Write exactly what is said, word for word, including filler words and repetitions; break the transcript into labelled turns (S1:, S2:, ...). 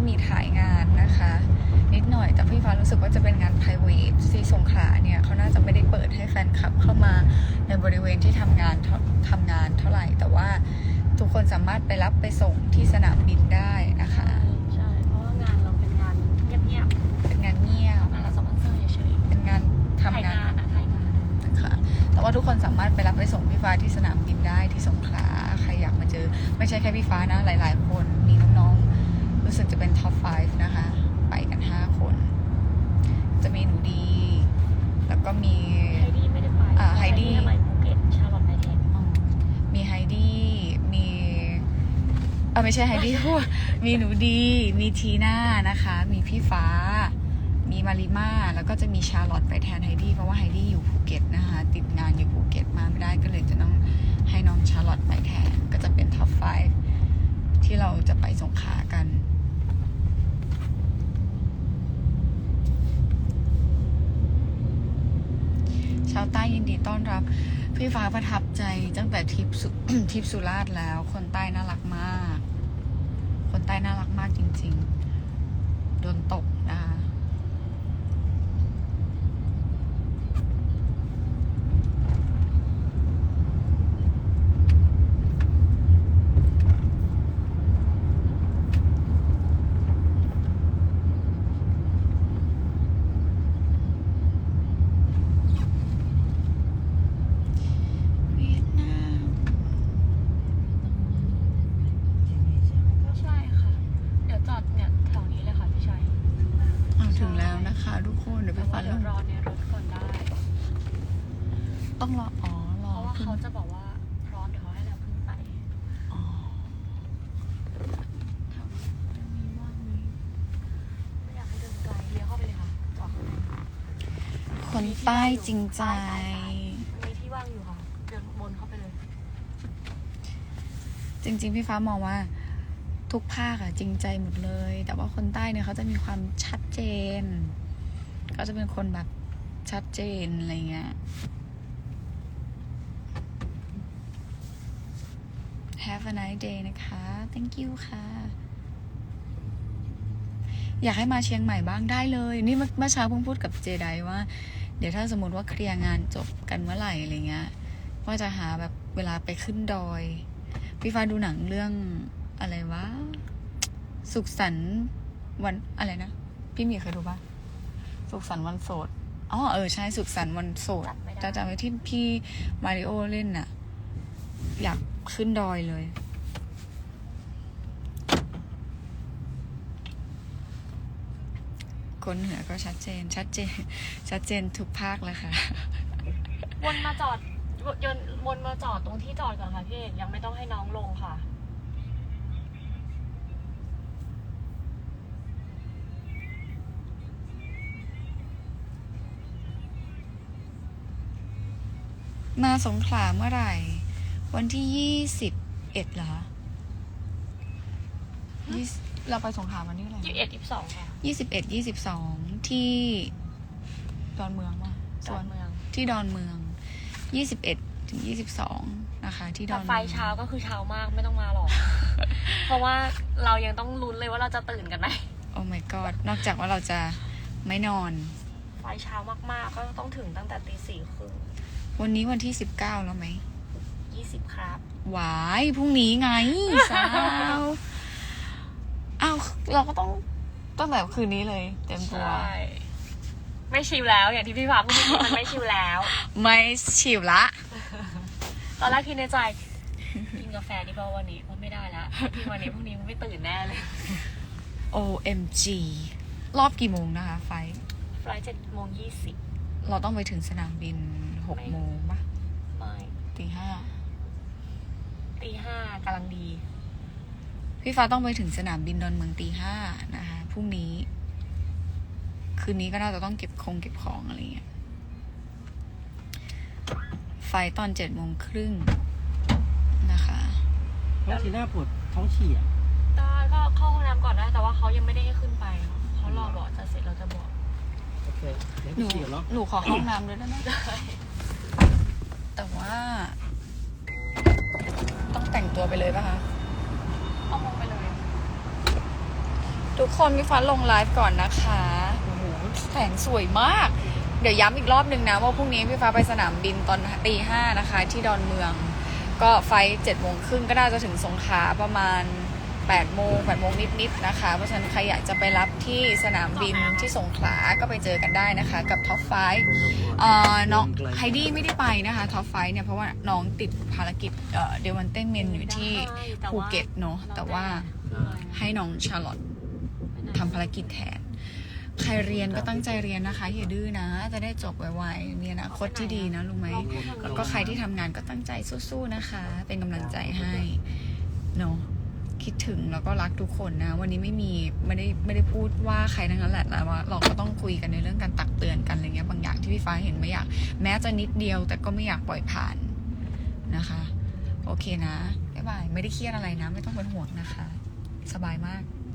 S1: มีถ่ายงานนะคะนิดหน่อยแต่พี่ฟ้ารู้สึกว่าจะเป็นงาน private ที่สงขลาเนี่ยเขาน่าจะไม่ได้เปิดให้แฟนคลับเข้ามาในบริเวณที่ทำงานทำงานเท่าไหร่แต่ว่าทุกคนสามารถไปรับไปส่งที่สนามบินได้นะคะ
S2: ใช่เพราะว่างานเราเป็นงานเงียบๆ
S1: เป็นงานเงียบ
S2: งานเราสปอนเซอร์เฉย
S1: ๆเป็นงานทำงาน
S2: ถ่ายงาน
S1: นะคะแต่ว่าทุกคนสามารถไปรับไปส่งพี่ฟ้าที่สนามบินได้ที่สงขลาใครอยากมาเจอไม่ใช่แค่พี่ฟ้านะหลายๆคนมีน้องๆรู้สึกจะเป็นท็อปไฟว์นะคะไปกันห้าคนจะมีหนูดีแล้วก็มี
S2: ไฮดี้ไม่ได้ไป
S1: อ่าไฮดี้
S2: ไปภูเก็ตชาร์ลอตไนท์เทน
S1: มีไฮดี้มีเออไม่ใช่ไฮดี้พูดมีหนูดีมีทีน่านะคะมีพี่ฟ้ามีมาริมาแล้วก็จะมีชาร์ลอตไปแทนไฮดี้เพราะว่าไฮดี้อยู่ภูเก็ตนะคะติดงานอยู่ภูเก็ตมาไม่ได้ก็เลยจะต้องให้น้องชาร์ลอตไปแทนก็จะเป็นท็อปไฟว์ที่เราจะไปสงขลากันชาวใต้ยินดีต้อนรับพี่ฟ้าประทับใจตั้งแต่ทริปสุทริปสุราษฎร์แล้วคนใต้น่ารักมากคนใต้น่ารักมากจริงๆโดนตกนะคะถึงแล้วนะคะทุกคนเดี๋ยวไปฟัง
S2: รอในรถก่อนได้
S1: ต้องรออ๋อรอ
S2: เพราะว่าเขาจะบอกว่าพร้อมเดี๋ยวเขาให้เราขึ้นไป
S1: อ๋อ
S2: แถวนี้ว่างนี้ไม่อยากให้เดินไกลเลี้ยวเข้าไปเลยค่ะจอด
S1: คนใต้จริงใจ
S2: มีที่ว่างอยู่ค่ะเดินบนเข้าไปเลย
S1: จริงๆพี่ฟ้ามองว่าทุกภาคอะจริงใจหมดเลยแต่ว่าคนใต้เนี่ยเขาจะมีความชัดเจนเขาจะเป็นคนแบบชัดเจนอะไรเงี้ย Have a nice day นะคะ thank you ค่ะอยากให้มาเชียงใหม่บ้างได้เลยนี่เมื่อเช้าเพิ่งพูดกับเจไดว่าเดี๋ยวถ้าสมมติว่าเคลียร์งานจบกันเมื่อไหร่อะไรเงี้ยว่าจะหาแบบเวลาไปขึ้นดอยพี่ฟ้าดูหนังเรื่องอะไรวะสุขสันต์วันอะไรนะพี่มีเคยดูปะสุขสันต์วันโสดอ๋อเออใช่สุขสันต์วันโสดจะจำไว้ที่พี่มาริโอเล่นน่ะอยากขึ้นดอยเลยคนเหนือก็ชัดเจนชัดเจนชัดเจนทุกภาคเลยค่ะ
S2: วนมาจอดยนวนมาจอดตรงที่จอดก่อนค่ะพี่เอกยังไม่ต้องให้น้องลงค่ะ
S1: มาสงขลาเมื่อไหร่วันที่ยี่สิบเอ็ดเหรอเราไปสงขลาวันที่อะไหร
S2: ยี่สิบเอ็ดยี่สิบสองค่ะ
S1: ยี่สิบเอ็ดยี่สิบสองที่ดอนเมืองว่ะ
S2: ดอนเมือง
S1: ที่ดอนเมืองยี่สิบเอ็ดถึงยี่สิบสองนะคะที่ดอนเมือง
S2: ไฟเช้าก็คือเช้ามากไม่ต้องมาหรอก เพราะว่าเรายังต้องลุ้นเลยว่าเราจะตื่นกันไหม
S1: โอ้ my god นอกจากว่าเราจะไม่นอน
S2: ไฟเช้ามากๆก็ต้องถึงตั้งแต่ตีสี่ครึ่ง
S1: วันนี้วันที่สิบเก้าแล้วไหม
S2: ยี่สิบครับ
S1: หวายพรุ่งนี้ไงสาวอ้าวเราก็ต้องตั้งแต่คืนนี้เลยเต็มตัว
S2: ไม่ชิลแล้วอย่างที่พี่ฟ้าพูดมันไม่ชิลแล้ว
S1: ไม่ชิลละ
S2: ตอนแรกคิดในใจกินกาแฟดีป่ะวันนี้ว่าไม่ได้แล้วพี่วันนี้พรุ่งนี้มันไม่ตื่นแน่เลย
S1: โอ เอ็ม จี รอบกี่โมงนะคะไฟ
S2: ไฟเจ็ดโมงยี่สิบ
S1: เราต้องไปถึงสนามบินหกโมงปะ
S2: ไม่
S1: ตีห้า
S2: ตีห้ากำลังดี
S1: พี่ฟ้าต้องไปถึงสนามบินดอนเมืองตีห้านะคะพรุ่งนี้คืนนี้ก็น่าจะต้องเก็บคงเก็บของอะไรเงี้ยไฟตอนเจ็ดโมงครึ่งนะคะ
S3: น้องทีน่าปวดท้องฉี่อ่ะ
S2: ตาก็เข้าห้องน้ำก่อนได้แต่ว่าเขายังไม่ได้ให้ขึ้นไปเขารอบอกจะเสร็จเราจะบอก
S3: โอเค
S1: หนูหนูขอห้องน้ำด้วยได้ไหมแต่ว่าต้องแต่งตัวไปเลยป่ะคะ
S2: เอามองไปเลย
S1: ทุกคนพี่ฟ้าลงไลฟ์ก่อนนะคะโอ้โหแสงสวยมาก เดี๋ยวย้ำอีกรอบหนึ่งนะว่าพรุ่งนี้พี่ฟ้าไปสนามบินตอนตีห้านะคะ ที่ดอนเมือง ก็ไฟเจ็ดโมงครึ่งก็น่าจะถึงสงขลาประมาณแปดโมงแปดโมงนิดๆนะคะ เพราะฉะนั้นใครอยากจะไปรับที่สนามบินที่สงขลาก็ไปเจอกันได้นะคะ กับท็อปไฟเอ่อน้องไฮดี้ไม่ได้ไปนะคะท็อปไฟเนี่ยเพราะว่าน้องติดภารกิจเอ่อเดวันเต้นเมนอยู่ที่ภูเก็ตเนาะแต่ว่าให้น้องชาร์ลอตทำภารกิจแทน ใครเรียนก็ตั้งใจเรียนนะคะอย่าดื้อนะจะได้จบไวๆมีอนาคตที่ดีนะรู้ไหมแล้วก็ใครที่ทำงานก็ตั้งใจสู้ๆนะคะ เป็นกำลังใจให้เนาะคิดถึงแล้วก็รักทุกคนนะวันนี้ไม่มีไม่ได้ไม่ได้พูดว่าใครทั้งนั้นแหละแต่ว่าเราก็ต้องคุยกันในเรื่องการตักเตือนกันอะไรเงี้ยบางอย่างที่พี่ฟ้าเห็นไม่อยากแม้จะนิดเดียวแต่ก็ไม่อยากปล่อยผ่านนะคะโอเคนะบ๊ายบายไม่ได้เครียดอะไรนะไม่ต้องเป็นห่วงนะคะสบายมาก